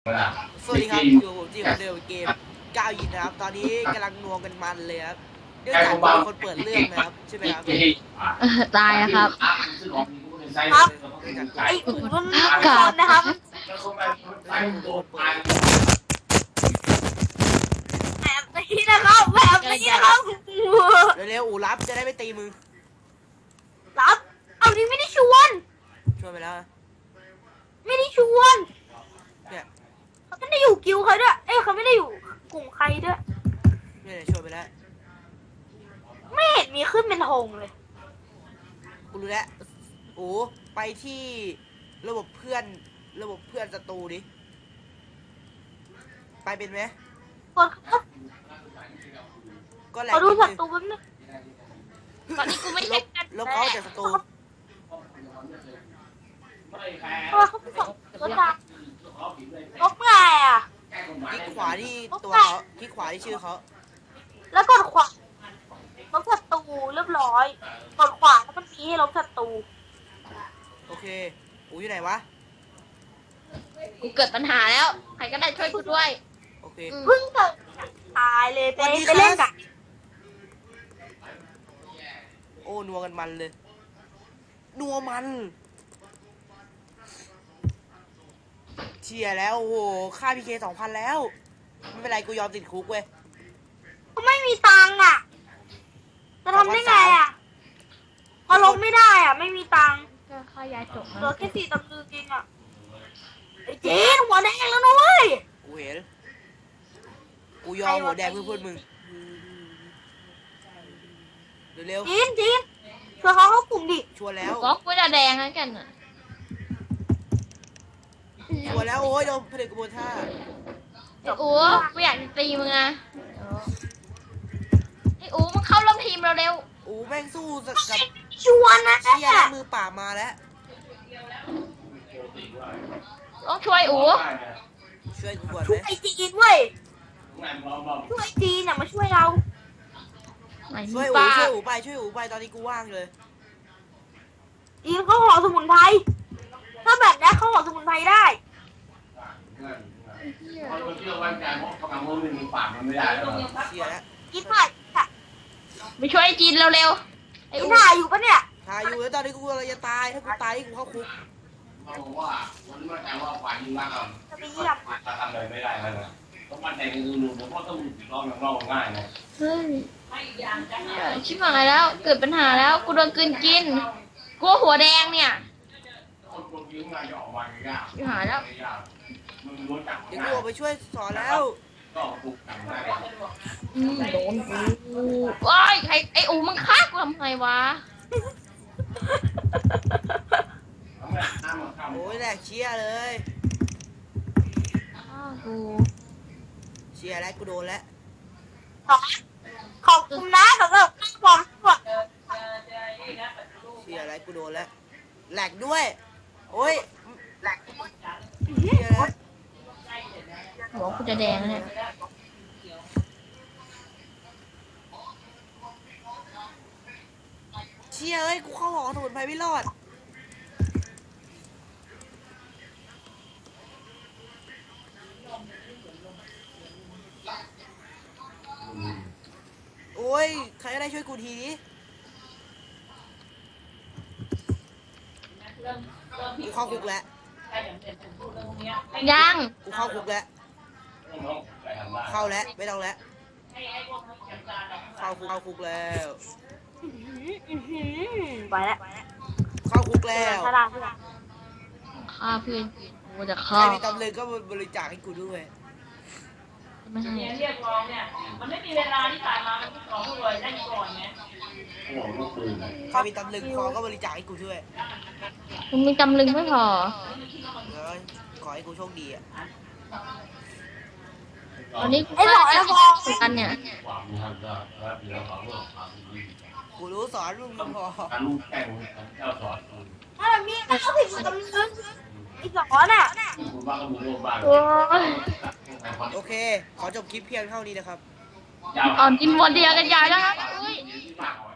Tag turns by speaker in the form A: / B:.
A: สวัสดีครับอยู่ผมจีคนเดิมเกมก้าวยินนะครับตอนนี้กำลังนัวกันมันเลยครับเนื่องจากมีคนเปิดเรื่องนะครับใช่ไหมครับ
B: ตายนะครับ
C: ครับ
A: เนื่องจาก
C: ไอ้อู๋มัน
B: กา
C: คนนะครับแบบนี้นะครับแบบนี้นะครับ
A: เร็วๆอูรับจะได้ไม่ตีมือ
C: รับเอานี่ไม่ได้ชวน
A: ช่วยไปแล้ว
C: ไม่ได้ชวน
A: เนี่ย
C: เขาไม่ได้อยู่กิวใครด้วยเอ้ยเขาไม่ได้อยู่กลุ่มใครด้วย
A: เนี่ยช่วยไปแล้ว
C: ไม่เห็นมีขึ้นเป็นธงเลย
A: กูรู้แล้วโอ้ไปที่ระบบเพื่อนศัตรูดิไปเป็นไหม
C: คนเขา
A: ก็แหลก
C: เขาดู
A: นิด
C: ศั
A: นึง
C: ตรูแป๊บนึง
B: ตอนนี้กูไม่เช็คกัน
A: ลบเขาจากศัตรู
C: เพราะว่าเขาเป็นศัตรูดังลบไงอ่ะ
A: คลิกขวาที่ตัวเขาคลิกขวาที่ชื่อเขา
C: แล้วกดขวาลบศัตรูเรียบร้อยกดขวาแล้วมันมีให้ลบศัตรู
A: โอเคอูอยู่ไหนวะ
B: กูเกิดปัญหาแล้วใครก็ได้ช่วยกูด้วย
A: โอเค
C: เพิ่งเกิดตายเลยไป
A: สวัสดี
C: ไปเล่น
A: ครั
C: กับ น
A: โอ้นัวกันมันเลยนัวมันเชียร์แล้วโอ้โหค่าพีเค2,000แล้วไม่เป็นไรกูยอมติดคุกเว้ย
C: เขาไม่มีตังค์อ่ะจะทำได้ไงอ่ะพอลบไม่ได้อ่ะไม่มีตังค์
B: ก็ค่ายาจบ
C: เหลือแค่4 ตำลึงเองอ่ะไอ้เจ๊หัวแดงแล้วนะเว้ย
A: กูเห็นกูยอมหัวแดงเพื่อนมึงเร็ว
C: จีนช่วยเขาเข้ากลุ่มดิ
A: ๆชัวร์แล้ว
B: ก็กูจะแดงแล้วกันอ่ะ
A: ชัวร์แล้วโอ้ยโดนผลิตกระบวนท่า
B: ไอ้อู๋กูอยากจะตีมึงอ่ะไอ้อู๋มึงเข้าร่วมทีมเราเร็ว
A: โอ้แม่งสู้กับ
C: ชวนนะ
A: เชียร์แล้วมือป่าบมาแล้ว
B: ต้องช่วยอู๋
A: ช่วยกูก่อน
C: ช่ว
A: ไห
C: ย
A: ม
C: ไอ้จีนเว้ยช่วยจีนอ่ะมาช่วยเรา
B: ไหน
A: ช่วย
B: ปลา
A: อูไปช่วยอูไปตอนนี้กูว่างเลย
C: จีนเขาห่อสมุนไพรถ้าแบบนี้เขาห่อสมุนไพรได้
A: เชียร์แล้ว
C: จีนถ่ายค่ะ
B: ไปช่วยไอ้จีนเร็วๆไอ้
C: จีน
B: อู๋
C: ถ่ายอยู่ปะเนี่ย
A: ถ่ายอยู่แล้วตอนนี้กูกำลังจะตายถ้ากูตายนี่กูเข้าคุก
C: จะไปเยี่ยม
D: ทำอะไรไม่ได้แล้วนะต้องมั่นใจในตัวหนูเพราะต้องลองอย่างเราง่ายนะ
B: เฮ้ยชิบหายแล้วเกิดปัญหาแล้วกูโดนกลืนกินกูหัวแดงเนี่ย
D: คนคนยิ้มงานจะออกมายาก
B: ชิบหายแล้ว
D: มึงรู้จัก
A: เดี๋ยวกูออกไปช่วยสอนแล้ว
D: ก็ปลุกกันได้
B: โดนกูว้ายใครไอ้อูมึงฆ่ากูทำไมวะ
A: โอ้ยแหลกเชียร์เลย
B: ฆ่ากู
A: เชียร์แล้วกูโดนแล้ว
C: ขอบคุณนะสำหรับความสด
A: เชียร์แล้วกูโดนแล้วแหลกด้วยโอ้ยแหลกเชียร์แล้ว
B: หัวกูจะแดงแล้วเนี่ย
A: เชียร์เอ้ยกูเข้าหอสมุนไพรไม่รอดโอ้ยใครก็ได้ช่วยกูทีนี้กูเข้าคุกแล้ว
B: ยัง
A: กูเข้าคุกแล้วเข้าแล้วไม่ต้องแล้วเข้าคุกแล้ว
C: ไปแล้ว
A: เข้าคุกแล้ว
C: ถ้าได้ที่ไหน
B: ฆ่าเพื่อนกูจะ
A: ใค
B: ฆ่าร
A: มีตำลึงก็บริจาคให้กูด้วย
B: ไม่ให้
E: เรียกร้องเนี่ย มันไม่มีเวลาที่ผ่านมามันต้องขอผู้รวยได้ก่อนไง
D: หัวลูกปืน
A: ใครมีตำลึงพอก็บริจาคให้กูด้วย
B: มึงมีตำลึงไม่พอ
A: แล้วขอให้กูโชคดีอ่ะ
B: วันนี้กู
C: ไอ้หลอดไอ้ฟอง
B: กันเนี่ย
D: ความมีทางก็แล้วเดี๋ยวความรู้ความดี
A: กูรู้สอนมึงพอ
D: การลูกแข่งเจ้าสอน
C: ถ้าแบบนี้ก็ผิดกำลังไอ้สอนอ่ะ
D: คุณบ้าก็มีโรคบ้าง
B: โอ้ย
A: โอเค ขอจบคลิปเพียงเท่านี้นะครับ
B: อ่อนกินหมดเดียวกันใหญ่แล้วครับอุ้ย